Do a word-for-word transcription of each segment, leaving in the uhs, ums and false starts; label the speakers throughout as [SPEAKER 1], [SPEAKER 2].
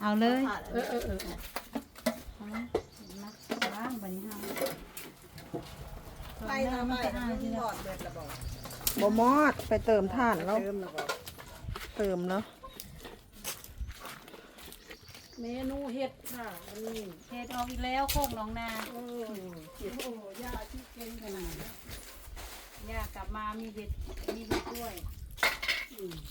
[SPEAKER 1] เอาเลย
[SPEAKER 2] เออเออเออ
[SPEAKER 1] มักล้างบัดนี้เฮา
[SPEAKER 3] ไปทำไมมันหมดเบิดระบอก
[SPEAKER 4] บ่มอดไปเติมถ่านแล้ว
[SPEAKER 3] เติมระบอก
[SPEAKER 4] เติมแล้ว
[SPEAKER 2] เมนูเห็ดค่ะอันนี้
[SPEAKER 1] เฮ็ดออกอีกแล้วโคกหนองนา
[SPEAKER 2] เออเห็ดโอ้ย่าที่เก่งขนาดนี้
[SPEAKER 1] ย่ากลับมามีเห็ดมีเห็ดด้วย
[SPEAKER 2] อืม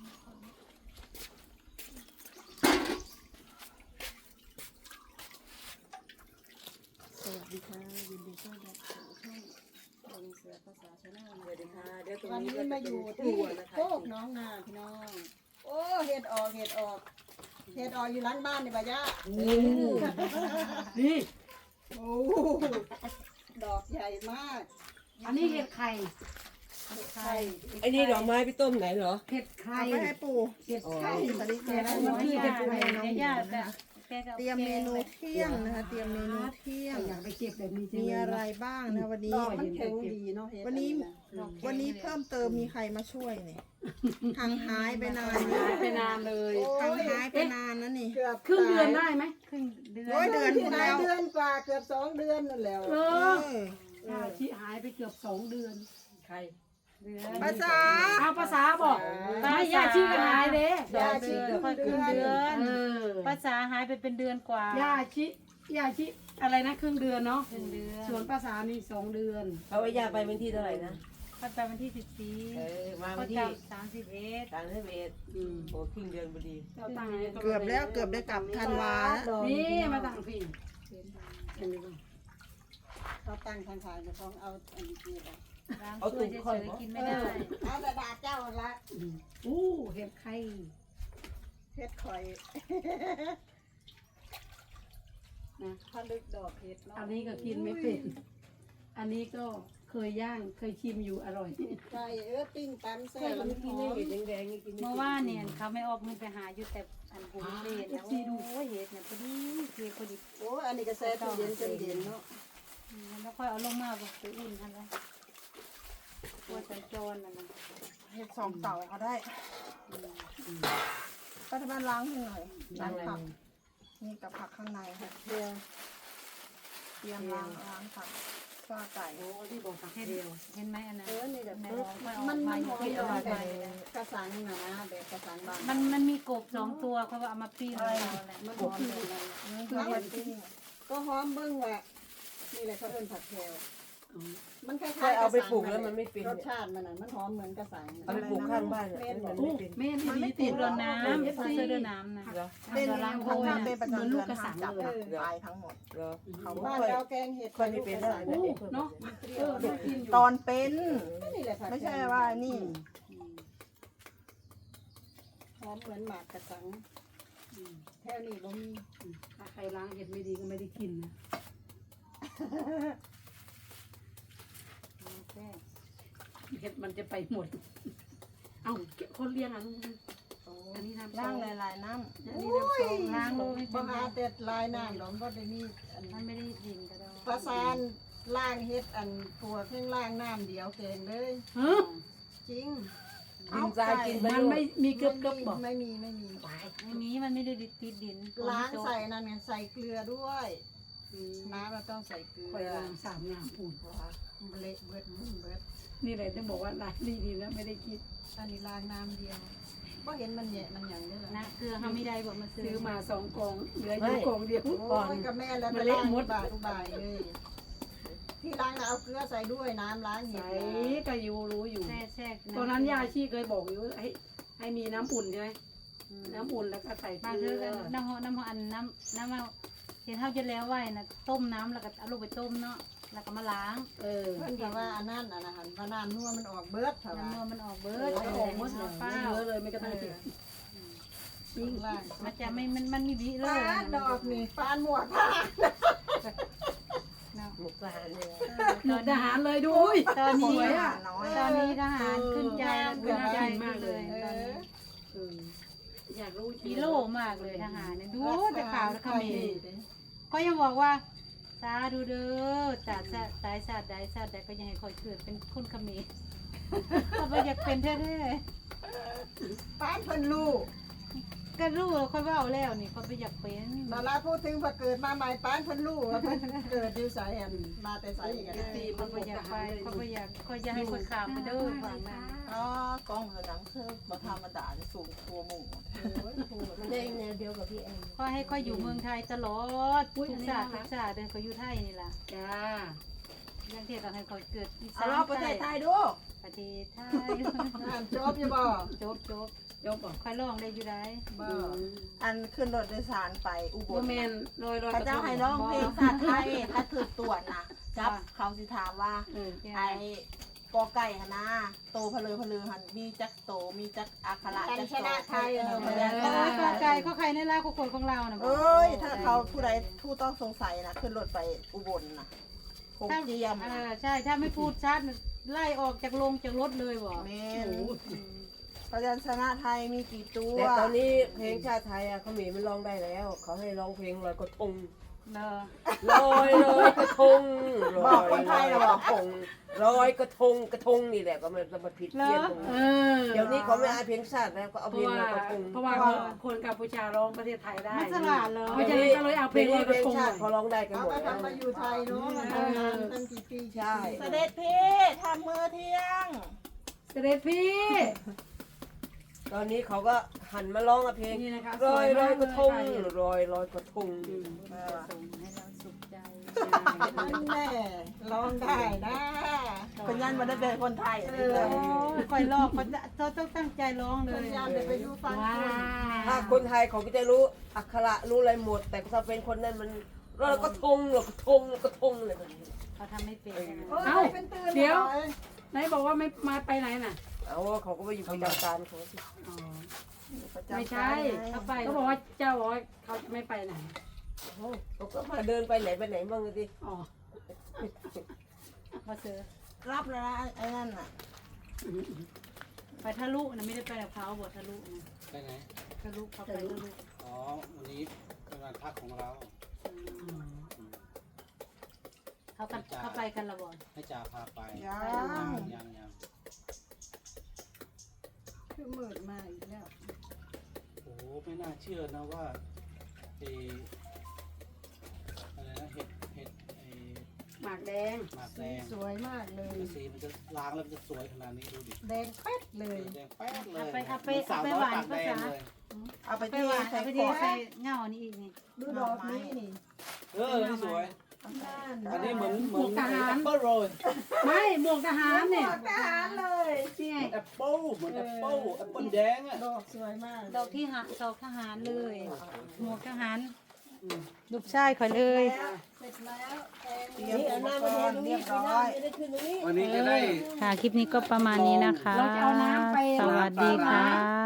[SPEAKER 3] สวัสดีค่ะยินดีต้อนรับสู่ช่องลงเสือภาษาชาแนลสวัสดีค่ะเดี๋ยวตรงนี้ก็มาอยู่ที่โคกน้องนาพี่น้องโอ้เห็ดออกเห็ดออกเห็ดออกอยู่หลังบ้านนี่บ่ย่า
[SPEAKER 2] นี่
[SPEAKER 3] โอ้ดอกใหญ่มาก
[SPEAKER 2] อันนี้เห็ดไข่
[SPEAKER 3] เห็ดไข่
[SPEAKER 5] ไอ้นี่ดอกไม้พี่ต้มไหนเหรอ
[SPEAKER 2] เห็ดไข่
[SPEAKER 4] เอาไปให้ปู่
[SPEAKER 2] เห็ดไข่
[SPEAKER 4] สวัสดี
[SPEAKER 2] แต่
[SPEAKER 4] ค่ะ
[SPEAKER 2] ละวันที่
[SPEAKER 1] ย่า
[SPEAKER 2] จะไปน้อง
[SPEAKER 1] ย่าแต่แกก็
[SPEAKER 4] เตรียมเมนูเที่ยงนะคะ เตรียมเมนูเที่ยง
[SPEAKER 2] อยากไปเก็บแบบนี้จริง
[SPEAKER 4] มีอะไรบ้างนะวันนี้
[SPEAKER 3] ดอกมันแข็งดีเนาะเห็ด
[SPEAKER 4] วันนี้ วันนี้เพิ่มเติมมีใครมาช่วยเนี่ยห่างหายไปนานนี่
[SPEAKER 2] หายไปนานเลย
[SPEAKER 4] ห่างหายไปนานนะนี่
[SPEAKER 3] เกือบ
[SPEAKER 2] ครึ่งเดือนได้ไหม
[SPEAKER 1] ครึ่งเดือน
[SPEAKER 4] โอ้ยเดือน
[SPEAKER 3] ที่ไหนเดือนกว่าเกือบสองเดือนนั่นแล้ว
[SPEAKER 2] เอ
[SPEAKER 4] เอ
[SPEAKER 2] อ
[SPEAKER 4] อ
[SPEAKER 2] ชาชิหายไปเกือบสองเดือน
[SPEAKER 5] ใคร
[SPEAKER 1] เดือน
[SPEAKER 4] ภาษา
[SPEAKER 2] เอาภาษาบอกไม่ย่าชีก็หายเด้
[SPEAKER 3] ยาชีเกือบ
[SPEAKER 1] ค่อย
[SPEAKER 3] เดื
[SPEAKER 1] ครึ่ง
[SPEAKER 3] อน
[SPEAKER 1] เดือน
[SPEAKER 2] เออ
[SPEAKER 1] ภาษาหายไปเป็นเดือนกว่า
[SPEAKER 2] ย่าชิย่าชิอะไรนะครึ่งเดือนเนาะ
[SPEAKER 1] ครึ่งเดือน
[SPEAKER 2] ส่วนภาษานี่สองเดือน
[SPEAKER 5] เพราะว่าย่าไปวันที่เท่าไหร่นะ
[SPEAKER 1] ค่อยไปวันที่สิบสี่
[SPEAKER 5] เออ มา
[SPEAKER 1] ค่
[SPEAKER 5] วั
[SPEAKER 1] อน ย
[SPEAKER 5] ที่
[SPEAKER 1] กลับสามสิบเอ็ด
[SPEAKER 5] สามสิบเอ็ด
[SPEAKER 2] อืม
[SPEAKER 5] โอ้ครึ่งเดือนพอดี
[SPEAKER 2] เจ้าตังค์
[SPEAKER 4] เกือบแล้วเกือบได้กลับธันวาแล้ว
[SPEAKER 2] นี่มาตั้งพี่เห็นไหมบ้าง
[SPEAKER 3] เขาตั้งทางขายจะฟ้องเอาอันนี้ไป
[SPEAKER 1] ล้างถ้วยเฉยๆกินไม่ได้
[SPEAKER 3] เอาแต่ดาเจ้าละ
[SPEAKER 2] อู้เห็ดไข่
[SPEAKER 3] เฮ็ดข่อยนะถ้าลึกดอกเห็ดเนาะ
[SPEAKER 2] อันนี้ก็กินไม่เป็น อันนี้ก็เคยย่างเคยชิมอยู่อร่อย
[SPEAKER 3] ใช่เออปิ้งตำแซ่
[SPEAKER 5] ใช่
[SPEAKER 3] บ
[SPEAKER 5] เรา
[SPEAKER 3] มัน
[SPEAKER 5] ไม่
[SPEAKER 3] ห
[SPEAKER 5] กิน
[SPEAKER 3] อ
[SPEAKER 5] ได้
[SPEAKER 3] ม
[SPEAKER 5] เห็ดแดงๆนี่กินไม่
[SPEAKER 1] เมื่อ
[SPEAKER 5] กิน
[SPEAKER 1] วานเนี่ยเขาไม่ออกมึงไปหาอยู่แต่อันบุญเศษนะโอ้ยเห็ดเนี่ยพอดีเพียพอดี
[SPEAKER 3] โอ้อันนี้ก็แซ่บตู้เย็นจนเย็นเนาะ
[SPEAKER 1] อืมแล้วค่อยเอาลงมาบอกไปอุ่นทันแล้วตัวสัญจรน่ะนะ
[SPEAKER 4] เห็ดสองเต่าเอาได้ก็ทำไมล้างให้หน่อยล้างผักนี่กับผักข้างในค่ะ
[SPEAKER 3] เดียว
[SPEAKER 4] เตรียมล้างล้างผักข้าวไก่
[SPEAKER 2] โอ้ที่บอกผัก
[SPEAKER 1] เห็น
[SPEAKER 2] เดียว
[SPEAKER 1] เห็นไหมอันนั้น
[SPEAKER 3] เออนี่ก็
[SPEAKER 1] ใน
[SPEAKER 3] เอ
[SPEAKER 1] ร้
[SPEAKER 3] อ
[SPEAKER 1] องค่อยออก
[SPEAKER 3] มัน
[SPEAKER 1] มา
[SPEAKER 3] มันห
[SPEAKER 1] อยู่
[SPEAKER 3] อม
[SPEAKER 1] ที่
[SPEAKER 3] ด
[SPEAKER 1] อ
[SPEAKER 3] อก
[SPEAKER 1] ร่อย
[SPEAKER 3] แบ
[SPEAKER 1] ไป
[SPEAKER 3] บกระสังนะแบบกระสังบาง
[SPEAKER 1] มันมันมีกบสองตัวเขาว่าเอามาปิ้งเราแหละ
[SPEAKER 3] มันหอมแบบนั้น
[SPEAKER 4] คือเห็ดปิ้ง
[SPEAKER 3] ก็หอมเบิ้งแหละนี่แหละเขาเอิ้นผัดแคลมันคล้าย
[SPEAKER 5] เคย
[SPEAKER 3] ๆ
[SPEAKER 5] เอาไปปลูก
[SPEAKER 3] ระ
[SPEAKER 5] แล้ว
[SPEAKER 3] สัง
[SPEAKER 5] มันไม่เป็น
[SPEAKER 3] รส
[SPEAKER 5] เนี่ย
[SPEAKER 3] ชาติมันน่ะมันหอมเหมือนกระสัง
[SPEAKER 5] เอาไปปลูกข้างบ้านเนี่ยมันไม่เป็น
[SPEAKER 2] แม่
[SPEAKER 4] มันไม่
[SPEAKER 2] นี่
[SPEAKER 4] ติ
[SPEAKER 2] ติ
[SPEAKER 4] ด
[SPEAKER 2] ด
[SPEAKER 4] หร
[SPEAKER 1] เรือ
[SPEAKER 4] อก
[SPEAKER 1] น้ำเสื้อเรือน้ำนะ
[SPEAKER 5] เหรอ
[SPEAKER 4] เป็น
[SPEAKER 1] ล้างโค
[SPEAKER 4] คน
[SPEAKER 1] ย
[SPEAKER 4] ถ้าเป็นประจำเดือน
[SPEAKER 2] กระสัง
[SPEAKER 4] จับ
[SPEAKER 2] เลย
[SPEAKER 4] ตายทั้งหมด
[SPEAKER 5] เหรอ
[SPEAKER 4] เขา
[SPEAKER 3] บ้าน
[SPEAKER 5] ค่อย
[SPEAKER 3] เราแกงเห็ด
[SPEAKER 5] ค่อยไม่เป็นแล้ว
[SPEAKER 3] กระ
[SPEAKER 5] เดี๋
[SPEAKER 3] สั
[SPEAKER 5] ยว
[SPEAKER 3] ง
[SPEAKER 5] เด็กเพิ่ม
[SPEAKER 2] เนาะเออได้กินอยู่
[SPEAKER 4] ตอนเป็น
[SPEAKER 3] นี่แหละผัด
[SPEAKER 4] ไม่ใช่ว่านี่
[SPEAKER 3] หอมเหมือนหมากกระสังแค่นี้บ่มี
[SPEAKER 2] ถ้าใครล้างเห็ดไม่ดีก็ไม่ได้กินนะ
[SPEAKER 1] แซ่บ
[SPEAKER 2] เห็ดมันจะไปหมด เอ้าคนเลี้ยงอ่ะลุงอันนี้น้ำ
[SPEAKER 4] ล่าง
[SPEAKER 2] เล
[SPEAKER 4] หลายๆน้
[SPEAKER 2] อันนี้น้ำซอง
[SPEAKER 1] ล้างโลไม่เป็
[SPEAKER 3] บ่
[SPEAKER 1] นไร
[SPEAKER 3] หาแต่ลายน้ำหรอกบ่ได้มีอัน
[SPEAKER 1] มันไม่ได้ดินก็ได้
[SPEAKER 3] ประสานล่างเฮ็ดอันตัวเครื่องล่างน้ำเดียวแกงเลย
[SPEAKER 2] เฮ้อ
[SPEAKER 3] จริง
[SPEAKER 5] กินทรายกินไป
[SPEAKER 2] มัน
[SPEAKER 5] ด้ว
[SPEAKER 2] ไม่
[SPEAKER 5] ย
[SPEAKER 2] มีเกลือบเกลือบบอก
[SPEAKER 3] ไม่มีไม่มี
[SPEAKER 1] ไม่มีมันไม่ได้ติดดิน
[SPEAKER 3] ล้างใส่นั่นไงใส่เกลือด้วยน้ำเราต้องใส่เกลื
[SPEAKER 2] คอย
[SPEAKER 3] อ
[SPEAKER 2] ล้างสามอย่างอุ่น
[SPEAKER 3] เละเบิดมุ่นเบิด
[SPEAKER 2] นี่เลยต้องบอกว่าล้างดีๆแล้วไม่ได้คิด
[SPEAKER 3] อันนี้ล้างน้ำเดียวก็เห็นมันแยะมันอย่างนี้แหละ
[SPEAKER 1] นะเกลือเขาไม่ได้บอกมาซื้
[SPEAKER 2] ซื้
[SPEAKER 1] อ
[SPEAKER 2] อมาสองกองเหลืออยู่กองเดียว
[SPEAKER 3] โอ้ยกับแม่แล้ว
[SPEAKER 2] มั
[SPEAKER 3] ไป
[SPEAKER 2] นเละ
[SPEAKER 3] ล้าง
[SPEAKER 2] หมด
[SPEAKER 3] บาทอุบายเลยที่ล้างน่ะเอาเกลือใส่ด้วยน้ำล้างเห็ด
[SPEAKER 2] ใส่
[SPEAKER 3] นะ
[SPEAKER 2] ก็อยู่รู้อยู่
[SPEAKER 1] แช่แช่
[SPEAKER 2] ตอนนั้นยาชีเคยบอกอยู่ให้ให้มีน้ำอุ่นใช่ไหมน้ำอุ่นแล้วก็ใส่เก
[SPEAKER 1] มา
[SPEAKER 2] ลื
[SPEAKER 1] คือ
[SPEAKER 2] อ
[SPEAKER 1] น้ำหอมน้ำหอมอันน้ำน้ำเอาเห็นเท่าจะแล้วไว้นะต้มน้ำแล้วก็เอาลงไปต้มเนาะแล้วก็มาล้าง
[SPEAKER 2] เออ
[SPEAKER 3] เพื่อนก็ว่าอันนั้นอันนั้นว่าน้ำนัวมันออกเบิดเถอะ
[SPEAKER 1] น้ำ
[SPEAKER 3] ว่า
[SPEAKER 1] นัวมันออกเบิ
[SPEAKER 2] เอ
[SPEAKER 1] ร์
[SPEAKER 2] อ
[SPEAKER 1] ด
[SPEAKER 2] ออกหมดเลย
[SPEAKER 1] เปล่า
[SPEAKER 2] ไม่เหลือเลยไม่กระทั่งติด
[SPEAKER 3] ยิ่งล่าง
[SPEAKER 1] มันจะไม่มันมันมีวิเล
[SPEAKER 3] ปาย ดดอกนี่ปานหมวกผ้า
[SPEAKER 1] เนาะ
[SPEAKER 5] หมกทหารเลย
[SPEAKER 2] หมดทหารเลยดูอุ้ย
[SPEAKER 1] ตอนนี้
[SPEAKER 2] สวยอ่ะ
[SPEAKER 4] น้อย
[SPEAKER 1] ตอนนี้ทหารขึ้นใจขึ้นใจมากเลย
[SPEAKER 3] เอ
[SPEAKER 1] ตอนนี้
[SPEAKER 3] อ
[SPEAKER 2] เอออยากรู้
[SPEAKER 1] ฮีโร่มากเลยทหารเนี่ยดูแต่ข่าวแล้วเขมรก็ยังบอกว่าสาดูเด้อแต่สายศาสตร์ใดศาสตร์ใดก็ยังให้คอยเกิดเป็นคนเขมรเขาไปอยากเป็นแท้
[SPEAKER 3] ปานเพิ่นลูก
[SPEAKER 1] ๆก็รู้แล้วค่อยเว้าแล้วนี่ค่อยไปอยากเป็น
[SPEAKER 3] นาราพูดถึงว่าเกิดมาใหม่ป้านเพิ่นรู้ว่าเพิ่นเกิดอยู่ไสอันมาแต่ไสกัน
[SPEAKER 2] ตี
[SPEAKER 1] ค่
[SPEAKER 2] มั
[SPEAKER 1] อน ย
[SPEAKER 2] บ
[SPEAKER 1] ไป
[SPEAKER 2] อก
[SPEAKER 1] อยาก
[SPEAKER 2] ท
[SPEAKER 1] ไป
[SPEAKER 2] หารเลย
[SPEAKER 1] ค่อยไปอยากค่อยจะให้คนข้ามไปเด้อฝั่งนั้น
[SPEAKER 4] อ๋อกล้องเธอหนังคือบ่ธรรมดาที่สูงตัวหมู่
[SPEAKER 5] มันได้แนวเดียวกับพี่แอน
[SPEAKER 1] ค่อยให้ค่อยอยู่เมืองไทยตลอดทุกศาสตร์ทุกศาสตร์เดินก็อยู่ไทยนี่ล่ะ
[SPEAKER 2] จ้า
[SPEAKER 1] ยังเทียบกับให้ค่อยเกิดอีสา
[SPEAKER 4] เอา
[SPEAKER 1] น
[SPEAKER 4] รอบประเทศไทยดู
[SPEAKER 1] ประเทศไทย
[SPEAKER 3] อ่านจบอยู่บ่
[SPEAKER 1] จบจบ
[SPEAKER 2] ยกบอก
[SPEAKER 1] ค่อยร้องได้อยู่ได้
[SPEAKER 3] บ่
[SPEAKER 4] อันขึ้นรถโดยสารไปอุบ
[SPEAKER 2] โม
[SPEAKER 4] ล
[SPEAKER 2] เมนลอยลอย
[SPEAKER 4] พระเจ้าให้ร้องเพลงชาติไทยถ้าถูกตรวจนะจับเขาสิถามว่า
[SPEAKER 2] เออ
[SPEAKER 4] ไอ้กอไก่หนนะโตพะเลอพะเลอหันมีจักโตมีจักอักขระ
[SPEAKER 3] กัน
[SPEAKER 4] จัก
[SPEAKER 3] ช
[SPEAKER 4] โต
[SPEAKER 3] นะไทย
[SPEAKER 4] เอ
[SPEAKER 3] เอ
[SPEAKER 4] อ
[SPEAKER 3] อ
[SPEAKER 4] พะ
[SPEAKER 3] บ่
[SPEAKER 4] ยั
[SPEAKER 3] ได้
[SPEAKER 4] ญช
[SPEAKER 1] เอ้
[SPEAKER 4] นะ
[SPEAKER 1] ยข้าไก่ข้าไข่ในลาข้าคนของเราน่ะบอก
[SPEAKER 4] เอ้ยถ้าเขาผู้ใดผู้ต้องสงสัยนะขึ้นรถไปอุบลนะคงเจียม
[SPEAKER 1] เอ
[SPEAKER 4] นะ
[SPEAKER 1] อใช่ถ้าไม่พูดชัดไล่ออกจากโรงจากรถเลยบอก
[SPEAKER 4] เมนพยัญชนะไทยมีกี่ตัว
[SPEAKER 5] แต่ตอนนี้เพลงชาติไทยอ่ะเขามีมันร้องได้แล้ว เขาให้ร้องเพลงลอยกระทง
[SPEAKER 1] เนอะ
[SPEAKER 5] ลอยลอยกระทงลอยลอยกระทงลอยกระทงกระทงนี่แหละก็มันมันผิดเพี้ยนตรง
[SPEAKER 2] เอ
[SPEAKER 5] นี้
[SPEAKER 2] อ
[SPEAKER 5] เดี๋ยวนี้เขาไม่เอาเพลงชาติแล้วก็เอา
[SPEAKER 2] เพ
[SPEAKER 5] เพล
[SPEAKER 2] ราะ
[SPEAKER 5] ง
[SPEAKER 2] ว่า
[SPEAKER 5] ลอยกระทง
[SPEAKER 2] เพราะว่าคนกัมพูชาร้องประเทศไทยได้
[SPEAKER 1] มันสลาดเหรอ
[SPEAKER 2] เพราะฉะนั้นก็เลยเอาเพลงลอยกระทง
[SPEAKER 5] ชาติเขาร้องได้กัน
[SPEAKER 3] เอา
[SPEAKER 5] หมด
[SPEAKER 3] ไป
[SPEAKER 5] แล้ว
[SPEAKER 3] ทำมาอยู่ไทยเนาะมันทำงานตั้งกี่ปี
[SPEAKER 5] ใช่
[SPEAKER 4] เสด็จพี่ทำมือเที่ยง
[SPEAKER 2] เสด็จพี่
[SPEAKER 5] ตอนนี้เขาก็หันมาร้องเพลง
[SPEAKER 2] นี่นะคะ
[SPEAKER 5] ลอยลอยกระทง
[SPEAKER 2] สวยมากเลย
[SPEAKER 5] ลอยลอยกระทง
[SPEAKER 4] เออ
[SPEAKER 1] ส่งให้เราสุขใจ
[SPEAKER 3] นั่นแน่ร้องได้นะ
[SPEAKER 4] คนยันมาได้เป็นคนไทย
[SPEAKER 3] เอ
[SPEAKER 4] เล
[SPEAKER 3] อ
[SPEAKER 4] ย
[SPEAKER 1] โอ้ยคอยลอกเขาจะเขาต้องตั้งใจร้องเล
[SPEAKER 3] สั
[SPEAKER 1] ย
[SPEAKER 3] ญญาณเดี๋ยวไปดูฟัง
[SPEAKER 2] ว้า
[SPEAKER 3] คุณ
[SPEAKER 5] ถ้าคนไทยเขาก็จะรู้อักขระรู้อะไรหมด แต่ถ้าเป็นคนนั้นมันลอยกระทงลอยกระทงลอยกระทงอะไรแบบนี้
[SPEAKER 1] เขาทำไม่เป็น
[SPEAKER 3] โอ้ย
[SPEAKER 2] เอ้า
[SPEAKER 3] เป็นตื่น
[SPEAKER 2] เดี๋ยว
[SPEAKER 3] ล
[SPEAKER 2] ไหนบอกว่าไม่มาไปไหนน่ะ
[SPEAKER 5] เอาเขาก็ไปอยู่ประจำการเขาสิ
[SPEAKER 2] อ๋อ
[SPEAKER 4] ประจำ
[SPEAKER 2] ไม่ใช่
[SPEAKER 1] เขาไป
[SPEAKER 2] เขาบอกว่าเจ้าบอกว่าเขาจะไม่ไปไหน
[SPEAKER 5] เขาก็มาเดินไปไหนไปไหนบ้างสิ
[SPEAKER 2] อ๋อ
[SPEAKER 1] พอเจอ
[SPEAKER 4] รับแล้วนะไอ้นั่นน่ะ
[SPEAKER 1] ไปทะลุนะไม่ได้ไปกับเขาบททะลุนะ
[SPEAKER 6] ไปไหน
[SPEAKER 1] ทะลุเขาไปทะลุ
[SPEAKER 6] อ๋อ วันนี้เป็นวันพักของเรา
[SPEAKER 1] เขากันเขาไปกันละบ่
[SPEAKER 6] ให้จ่าพาไป
[SPEAKER 4] ยัง
[SPEAKER 6] ยังยังยัง
[SPEAKER 3] คือมืดมาอีกแล้ว
[SPEAKER 6] โอ้โหไม่น่าเชื่อนะว่าเอออะไรนะเห็ดเห็ดไอ
[SPEAKER 2] หมากแดง
[SPEAKER 6] หมากแด
[SPEAKER 3] สี
[SPEAKER 6] ง
[SPEAKER 3] สวยมากเลย
[SPEAKER 6] สีมันจะล้างแล้วมันจะสวยขนาดนี้ดูดิ
[SPEAKER 3] แดงแป๊ดเลย
[SPEAKER 6] แดงแป๊ดเลย
[SPEAKER 1] เอาไปเอาไป
[SPEAKER 6] เหมือนสา
[SPEAKER 1] เอา
[SPEAKER 6] ว
[SPEAKER 1] ไป
[SPEAKER 6] น้อ
[SPEAKER 1] หวาย น
[SPEAKER 6] ปาก
[SPEAKER 1] ภา
[SPEAKER 6] แดง
[SPEAKER 1] ษา
[SPEAKER 6] เลย
[SPEAKER 4] เอาไป
[SPEAKER 1] ไป
[SPEAKER 4] ที่
[SPEAKER 1] หวาน
[SPEAKER 4] ใส่
[SPEAKER 1] เอาไป
[SPEAKER 4] ข
[SPEAKER 1] ดี
[SPEAKER 4] วด
[SPEAKER 1] ใส่เงานี่อีกนี่
[SPEAKER 3] ดูดอกนี้นี่
[SPEAKER 6] เออนี่สวย
[SPEAKER 3] นั่น
[SPEAKER 6] อันนี้เหมือนเหมือน
[SPEAKER 2] ทหาร
[SPEAKER 6] แอปเปิ้ลโรย
[SPEAKER 2] ไม่หมวกทหารเนี่ย
[SPEAKER 3] ทหารเลย
[SPEAKER 2] นี่ไง
[SPEAKER 6] แอปเปิ้ลเหมือนแอปเปิ้ลแอปเปิ้ลแดงอ่ะ
[SPEAKER 3] ดอกสวยมาก
[SPEAKER 1] ดอกที่หาดอกทหารเลย หมวกทหารลูกชายคอยเลย
[SPEAKER 3] เสร็จแล้วแกง
[SPEAKER 4] เตรียมอุปกรณ์เรียบร้อย
[SPEAKER 5] จะได้ขึ้นตรงนี้
[SPEAKER 6] วันนี้จะได้
[SPEAKER 1] ค่ะ คลิปนี้ก็ประมาณนี้นะคะ
[SPEAKER 2] เราจะเอาน้ำไป
[SPEAKER 1] สวัสดีค่ะ